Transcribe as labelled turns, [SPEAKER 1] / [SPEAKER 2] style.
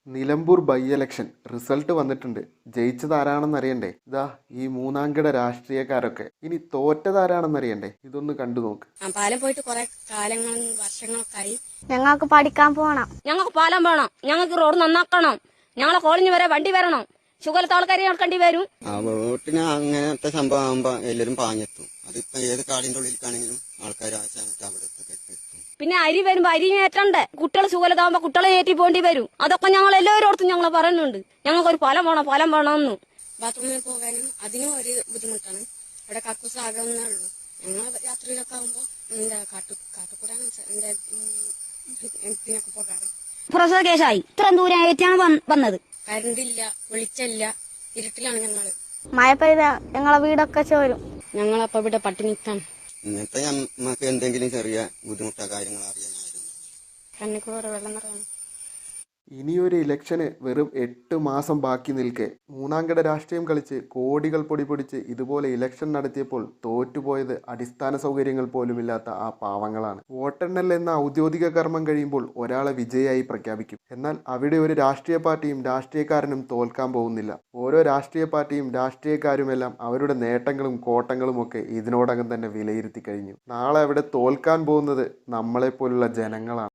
[SPEAKER 1] Nilambur by election result വന്നിട്ടുണ്ട്. ജയിച്ചതാരാണെന്നറിയണ്ടേ? ഇതാ ഈ മൂന്നാംകിട രാഷ്ട്രീയക്കാരൊക്കെ. ഇനി തോറ്റതാരാണെന്നറിയണ്ടേ? ഇതൊന്ന് കണ്ടു നോക്ക്.
[SPEAKER 2] പാലം പോയിട്ട് കുറെ കാലങ്ങളും വർഷങ്ങളൊക്കെ ആയി.
[SPEAKER 3] ഞങ്ങൾക്ക് പഠിക്കാൻ പോകണം.
[SPEAKER 2] ഞങ്ങൾക്ക് പാലം വേണം. ഞങ്ങൾക്ക് റോഡ് നന്നാക്കണം. ഞങ്ങളെ കോളനി വരെ വണ്ടി വരണം. ഷുഗലത്തെ ആൾക്കാരെ കേൾക്കേണ്ടി വരും.
[SPEAKER 4] വോട്ടിന് അങ്ങനത്തെ സംഭവം ആകുമ്പോ എല്ലാവരും പാഞ്ഞെത്തും. അതിപ്പോ ഏത് കാടിന്റെ ഉള്ളിലേക്കാണെങ്കിലും ആൾക്കാർ അവിടെ എത്തും.
[SPEAKER 2] പിന്നെ അരി വരുമ്പോ അരി ഏറ്റണ്ടേ. കുട്ടികൾ സുഖലതാകുമ്പോ കുട്ടികളെ ഏറ്റി പോകേണ്ടി വരും. അതൊക്കെ ഞങ്ങൾ എല്ലാവരോടത്തും ഞങ്ങൾ പറയുന്നുണ്ട്. ഞങ്ങൾക്കൊരു പാലം വേണമെന്ന്. ബാത്റൂമിൽ പോകാനും അതിനും ഒരു ബുദ്ധിമുട്ടാണ്. അവിടെ കക്കൂസ് ആകുന്നേ ഉള്ളൂ. ഞങ്ങൾ രാത്രിയിലൊക്കെ ആകുമ്പോ കാട്ടുകൂടാണ് ഇതിനൊക്കെ പോകാറ്. പ്രസവ കേസായി ഇത്രയും ദൂരം ഏറ്റാണ് വന്നത്. കരണ്ടില്ല, വെളിച്ചല്ല, ഇരുട്ടിലാണ് ഞങ്ങള്.
[SPEAKER 3] മഴ പെയ്ത ഞങ്ങളെ വീടൊക്കെ ചോരും.
[SPEAKER 2] ഞങ്ങളപ്പോ ഇവിടെ പട്ടിണിക്കാണ്.
[SPEAKER 4] ഇങ്ങനത്തെ നമുക്ക് എന്തെങ്കിലും ചെറിയ ബുദ്ധിമുട്ടോ കാര്യങ്ങളോ അറിയാനായിരുന്നു.
[SPEAKER 2] കണ്ണിക്കൂടെ വെള്ളം നിറയണം.
[SPEAKER 1] ഇനിയൊരു ഇലക്ഷന് വെറും 8 മാസം ബാക്കി നിൽക്കെ മൂന്നാംകിട രാഷ്ട്രീയം കളിച്ച് കോടികൾ പൊടിച്ച് ഇതുപോലെ ഇലക്ഷൻ നടത്തിയപ്പോൾ തോറ്റുപോയത് അടിസ്ഥാന സൗകര്യങ്ങൾ പോലുമില്ലാത്ത ആ പാവങ്ങളാണ്. വോട്ടെണ്ണൽ എന്ന ഔദ്യോഗിക കർമ്മം കഴിയുമ്പോൾ ഒരാളെ വിജയായി പ്രഖ്യാപിക്കും. എന്നാൽ അവിടെ ഒരു രാഷ്ട്രീയ പാർട്ടിയും രാഷ്ട്രീയക്കാരനും തോൽക്കാൻ പോകുന്നില്ല. ഓരോ രാഷ്ട്രീയ പാർട്ടിയും രാഷ്ട്രീയക്കാരുമെല്ലാം അവരുടെ നേട്ടങ്ങളും കോട്ടങ്ങളും ഒക്കെ ഇതിനോടകം തന്നെ വിലയിരുത്തി കഴിഞ്ഞു. നാളെ അവിടെ തോൽക്കാൻ പോകുന്നത് നമ്മളെപ്പോലുള്ള ജനങ്ങളാണ്.